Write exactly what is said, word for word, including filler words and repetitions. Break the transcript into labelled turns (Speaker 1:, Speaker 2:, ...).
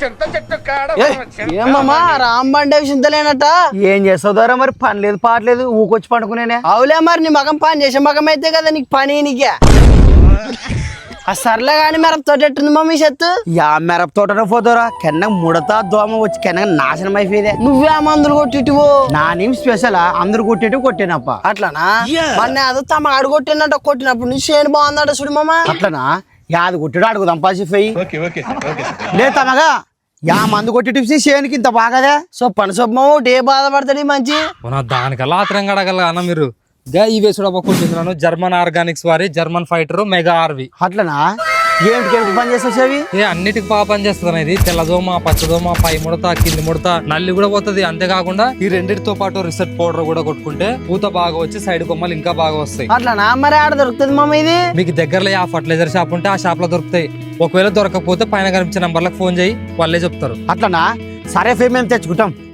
Speaker 1: ఏమమ్మా రాంబండే చింతలేనట
Speaker 2: ఏం చేస్తావు ద్వారా మరి పని లేదు పాటలేదు ఊకొచ్చి పండుకునేనే.
Speaker 1: అవులే మరి నీ మగం పని చేసే మగం అయితే కదా నీకు పని నీకే ఆ సర్లే గాని మిరప తోట ఎట్టుంది మమ్మీ చెత్తు
Speaker 2: యా మిరప తోటలో పోతారా కెన్న ముడత దోమ వచ్చి కెన్న నాశనం అయిపోయేదే.
Speaker 1: నువ్వే మందులు కొట్టిటివో
Speaker 2: నా నేమ్ స్పెషల్ అందరు కొట్టేటి కొట్టానప్ప.
Speaker 1: అట్లానా మొన్న అదో తమ అడుగు కొట్టినట్టు కొట్టినప్పుడు నీ చేను బాగుందట చూడు మామ.
Speaker 2: అట్లనా యాది కొట్టాడు అడుగుదాం పాసిపోయి లేదు తమగా యా మందు కొట్టి టిప్స్ చేయనికి ఇంత బాగాదే.
Speaker 1: సో పని సొమ్మ ఏ బాధపడతాడు మంచి
Speaker 3: దానికల్లా ఆత్రం కడగల అన్న మీరు గా ఈ వేసుడు కొట్టించున్నాను జర్మన్ ఆర్గానిక్స్ వారి జర్మన్ ఫైటర్ మెగా ఆర్వి.
Speaker 2: అట్లనా ఏమిటి ఏమిటి పని చేస్తావు చెవి?
Speaker 3: ఏ అన్నిటికి బాగా పని చేస్తుంది ఇది. తెల్లదోమ పచ్చదోమ పై ముడత కింది ముడత నల్లి కూడా పోతుంది. అంతేకాకుండా ఈ రెండింటితో పాటు రిసెట్ పౌడర్ కూడా కొట్టుకుంటే పూత బాగా వచ్చి సైడ్ కొమ్మలు ఇంకా బాగా వస్తాయి.
Speaker 1: అట్లానా మరి ఆడ దొరుకుతుంది మమ్మ ఇది?
Speaker 3: మీకు దగ్గరలో ఆ ఫర్టిలైజర్ షాప్ ఉంటే ఆ షాప్ లో దొరుకుతాయి. ఒకవేళ దొరకకపోతే పైన కనిపించే నంబర్లకు ఫోన్ చేయి వాళ్ళే చెప్తారు.
Speaker 2: అట్లనా సరే ఫే మేము తెచ్చుకుంటాం.